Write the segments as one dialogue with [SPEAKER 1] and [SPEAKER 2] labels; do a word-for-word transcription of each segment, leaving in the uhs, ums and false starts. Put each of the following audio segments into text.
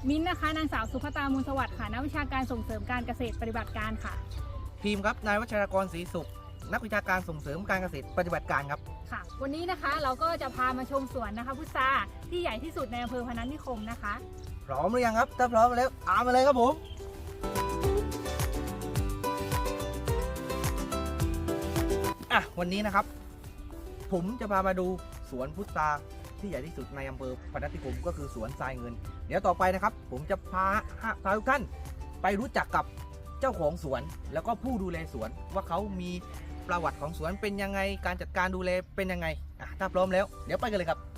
[SPEAKER 1] มิ้นท์นะคะนางสาวสุภตามูลสวัสดิ์ค่ะนักวิชาการส่งเสริมการเกษตรปฏิบัติการค่ะ
[SPEAKER 2] ทีมครับนายวัชรกรศรีสุขนักวิชาการส่งเสริมการเกษตรปฏิบัติการครับ
[SPEAKER 1] ค่ะวันนี้นะคะเราก็จะพามาชมสวนนะคะพุทราที่ใหญ่ที่สุดในอำเภอพนัสนิคมนะคะ
[SPEAKER 2] พร้อมหรือยังครับถ้าพร้อมแล้วตามมาเลยครับผมอ่ะวันนี้นะครับผมจะพามาดูสวนพุทราที่ใหญ่ที่สุดในอำเภอพนัสนิคมก็คือสวนทรายเงินเดี๋ยวต่อไปนะครับผมจะพาพาทุกท่านไปรู้จักกับเจ้าของสวนแล้วก็ผู้ดูแลสวนว่าเขามีประวัติของสวนเป็นยังไงการจัดการดูแลเป็นยังไงอ่ะถ้าพร้อมแล้วเดี๋ยวไปกันเลยครับ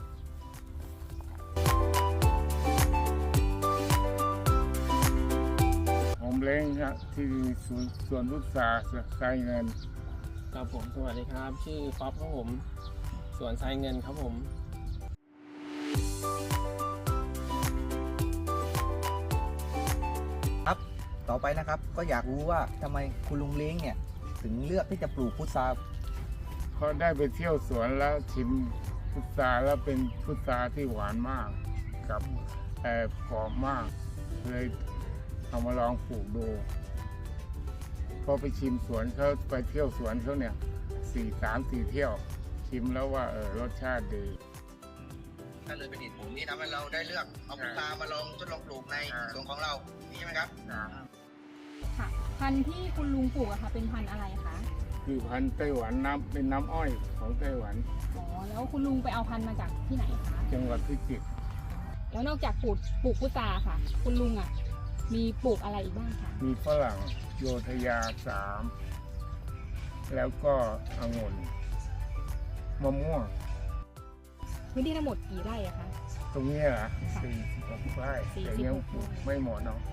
[SPEAKER 3] ผมเล้งครับที่สวนสวนพุทราทรายเงิน
[SPEAKER 4] ครับผมสวัสดีครับชื่อป๊อปครับผมสวนทรายเงินครับผม
[SPEAKER 2] ครับต่อไปนะครับก็อยากรู้ว่าทำไมคุณลุงเล้งเนี่ยถึงเลือกที่จะปลูกพุทรา
[SPEAKER 3] เพราะได้ไปเที่ยวสวนแล้วชิมพุทราแล้วเป็นพุทราที่หวานมากกับแอบหอมมากเลยเอามาลองปลูกดูพอไปชิมสวนเขาไปเที่ยวสวนเขาเนี่ยสี่สามสี่เที่ยวชิมแล้วว่าเออรสชาติดี
[SPEAKER 2] นั่นเลยเป็นเหตุผลที่ทำให้เราได้เลือกเอาพุทรามาลองทดลองปลูกในสวนของเรานี่ใช่ไหมครับ
[SPEAKER 1] ค่ะพันธุ์ที่คุณลุงปลูกอะค่ะเป็นพันธุ์อะไรคะ
[SPEAKER 3] คือพันธุ์ไต้หวันน้ำเป็นน้ำอ้อยของไต้หวัน
[SPEAKER 1] อ๋อแล้วคุณลุงไปเอาพันธุ์มาจากที่ไหนคะ
[SPEAKER 3] จังหวัดพิจิตร
[SPEAKER 1] แล้วนอกจากปลูกปลูกพุทราค่ะคุณลุงอ่ะมีปลูกอะไรอีกบ้างคะ
[SPEAKER 3] มีฝรั่งโยธยาสามแล้วก็องุ่นมะม่วง
[SPEAKER 1] พื้นที่ทั้งหมดกี่ไร่อะคะ
[SPEAKER 3] ตรงนี้เหรอสี่สิบหกไร่แต่ยังปลูกไม่หมดเนาะ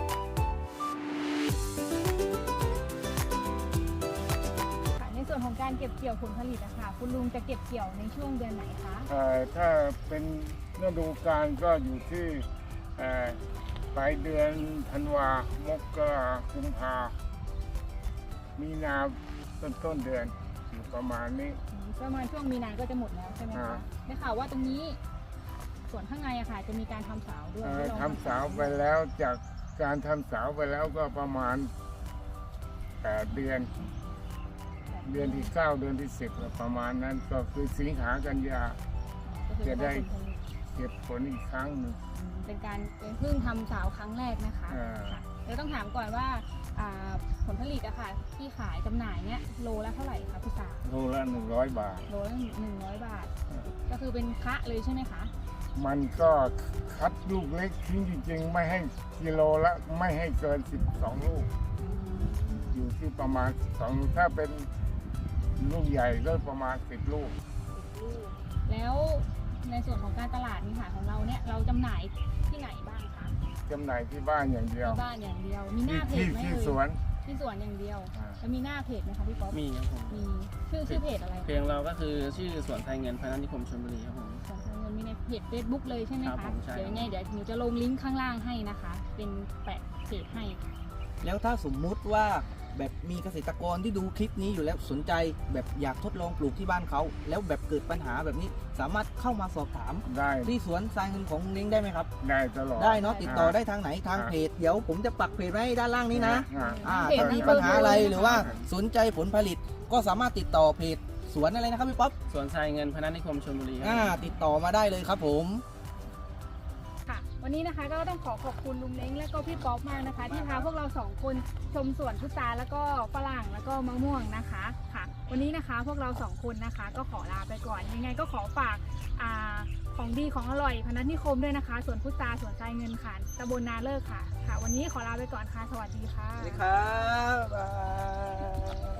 [SPEAKER 1] ในส่วนของการเก็บเกี่ยวผลผลิตอะค่ะคุณลุงจะเก็บเกี่ยวในช่วงเดือนไหนคะ
[SPEAKER 3] ถ้าเป็นฤดูกาลก็อยู่ที่ปลายเดือนธันวามกรากุมภามีนาต้นต้นเดือนอยู่ประมาณนี้
[SPEAKER 1] ประมาณช่วงมีนาก็จะหมดแล้วใช่ไหมคะได้ข่าวว่าตรงนี้ส่วนข้างในอะค่ะจะมีการทำสาวด้วย
[SPEAKER 3] ทำสาวไปแล้วจากการทำสาวไปแล้วก็ประมาณแปดเดือนเดือนที่เก้าเดือนที่สิบประมาณนั้นก็คือสิงหากันยาจะได้เก็บผลอีกครั้งหนึ่ง
[SPEAKER 1] เป็นการเป็นเพิ่งทำสาวครั้งแรกนะคะเดี๋ยวต้องถามก่อนว่าผลผลิตอะค่ะที่ขายจำหน่ายเนี้ยโลละเท่าไหร่คะพุทรา
[SPEAKER 3] โลละหนึ่งร้อยบาท
[SPEAKER 1] โลละหนึ่งร้อยบาทก็คือเป็นคะเลยใช่ไหมคะ
[SPEAKER 3] มันก็คัดลูกเล็กทิ้งจริงๆไม่ให้กิโลละไม่ให้เกินสิบสองลูกอยู่ที่ประมาณสองถ้าเป็นลูกใหญ่ก็ประมาณสิบลูก
[SPEAKER 1] แล้วในส่วนของการตลาดนี่ค่ะของเราเนี่ยเราจำหน่ายที่ไหนบ้างคะ
[SPEAKER 3] จำหน่ายที่บ้านอย่างเดียว
[SPEAKER 1] ที่บ้านอย่างเดียวมีหน้าเพจไหม
[SPEAKER 3] ที่สวน
[SPEAKER 1] ที่สวนอย่างเดียวแล้วมีหน้าเพจไหมคะพี่ป๊อป
[SPEAKER 4] มีครับผม
[SPEAKER 1] มีชื่อชื่อเพจอะไร
[SPEAKER 4] เพจเราก็คือชื่อสวนทรายเงินพนัสนิคมชลบุรีครับผม
[SPEAKER 1] สวนทรายเงินมีในเพจ เฟซบุ๊ก เลยใช่ไหมคะเดี๋ยวยังไงเดี๋ยวหนูจะลงลิงก์ข้างล่างให้นะคะเป็นแปะเพจให้
[SPEAKER 2] แล้วถ้าสมมุติว่าแบบมีเกษตรกรที่ดูคลิปนี้อยู่แล้วสนใจแบบอยากทดลองปลูกที่บ้านเขาแล้วแบบเกิดปัญหาแบบนี้สามารถเข้ามาสอบถาม
[SPEAKER 3] ได้
[SPEAKER 2] ที่สวนทรายเงินของลิงได้ไหมครับ
[SPEAKER 3] ได้ตลอด
[SPEAKER 2] ได้เนาะติดต่อได้ทางไหนทางเพจเดี๋ยวผมจะปักเพจไว้ด้านล่างนี้นะถ้ามีปัญหาอะไรหรือว่าสนใจผลผลิตก็สามารถติดต่อเพจสวนอะไรนะครับพี่ป๊อป
[SPEAKER 4] สวนทรายเงินพนัสนิคมชลบุรี
[SPEAKER 2] อ่าติดต่อมาได้เลยครับผม
[SPEAKER 1] วันนี้นะคะก็ต้องขอขอบคุณลุงเล้งและก็พี่ป๊อปมากนะคะที่พาพวกเราสองคนชมสวนพุทราแล้วก็ฝรั่งแล้วก็มะม่วงนะคะค่ะวันนี้นะคะพวกเราสองคนนะคะก็ขอลาไปก่อนยังไงก็ขอฝากอ่าของดีของอร่อยพนัสนิคมด้วยนะคะสวนพุทราสวนทรายเงินค่ะตำบลนาเลิกค่ะค่ะวันนี้ขอลาไปก่อนค่ะสวัสดีค่ะ
[SPEAKER 2] สวัสดีครับ